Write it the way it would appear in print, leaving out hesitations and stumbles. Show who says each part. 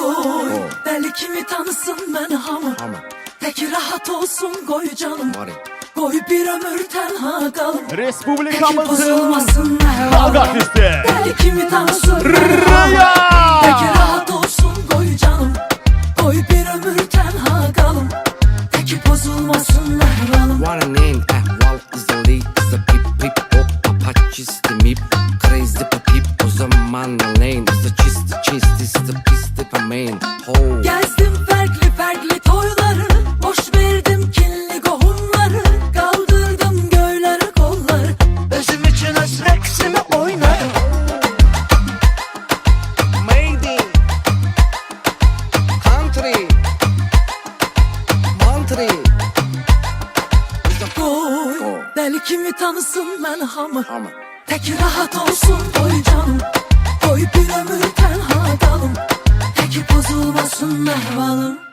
Speaker 1: Koy deli kimi tanısın ben hamı. Tek rahat olsun koy canım. Koy bir ömür tenha kalım.
Speaker 2: Respublikamızın kavga artisti
Speaker 1: Deli kimi tanısın ben hamı. Tek rahat olsun koy canım. Koy bir ömür tenha kalım. Tek bozulmasın mehvalım.
Speaker 3: Warning, ahval izali, kısa pip pip hop, apache istemip, crazy papip, o zaman lane, kısa çisti, pisti pamen, ho.
Speaker 1: Gezdim farklı toyları, boş verdim kinli kohumları, kaldırdım göyleri kolları, özüm için öz reksimi oynarım.
Speaker 3: Made in country, country.
Speaker 1: Koy deli kimi tanısın ben hamı. Tek rahat olsun koy canım. Koy bir ömür tenha kalım. Tek bozulmasın mehvalım.